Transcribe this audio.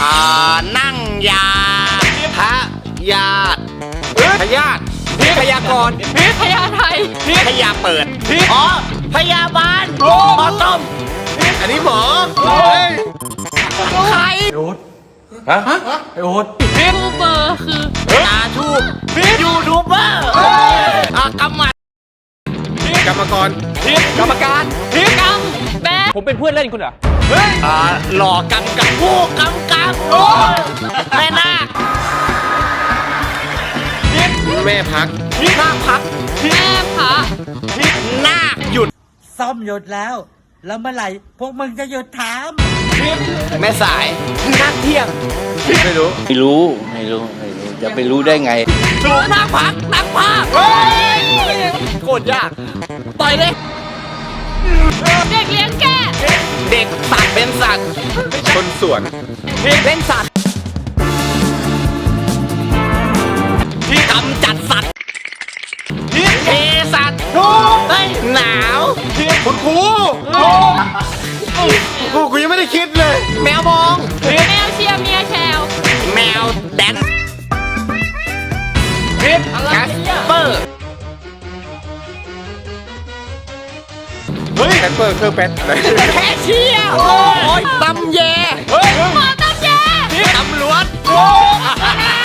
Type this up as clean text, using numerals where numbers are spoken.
นั่งยาพะยาดพยาธิพยากรณ์พญาไทยพยาเปิดอ๋อพยาบาลหมอต้มอันนี้หมอใครบูเบอร์คือตาทูบยูทูบเบอร์กรรมกรรมกรกรรมการกำแบผมเป็นเพื่อนเล่นคุณเหรอหล่อกำกับผู้กำกับแม่นาคแม่พักนาคพักแม่พระนาคหยุดซ่อมหยุดแล้ว แล้วเมื่อไหร่พวกมึงจะหยุดถามแม่สายนาคเที่ยงไม่รู้ไม่รู้จะไปรู้ได้ไงถูกนาคพักนาคภาคโคตรยากต่อยเลยเด็กเลี้ยงแกะเด็กสัตว์เป็นสัตว์คนสวนเล่นสัตว์กำจัดสัตว์เทสัตว์เฮ้ยหนาวคุณครูกูยังไม่ได้คิดเลย แมวมองแมวเชียร์เมียแชวแมวแดนแคสเปอร์เฮ้ยแคสเปอร์เครื่องแป๊ดแคชเชียร์โอ้ยตำแยหมอตำแยตำรวจ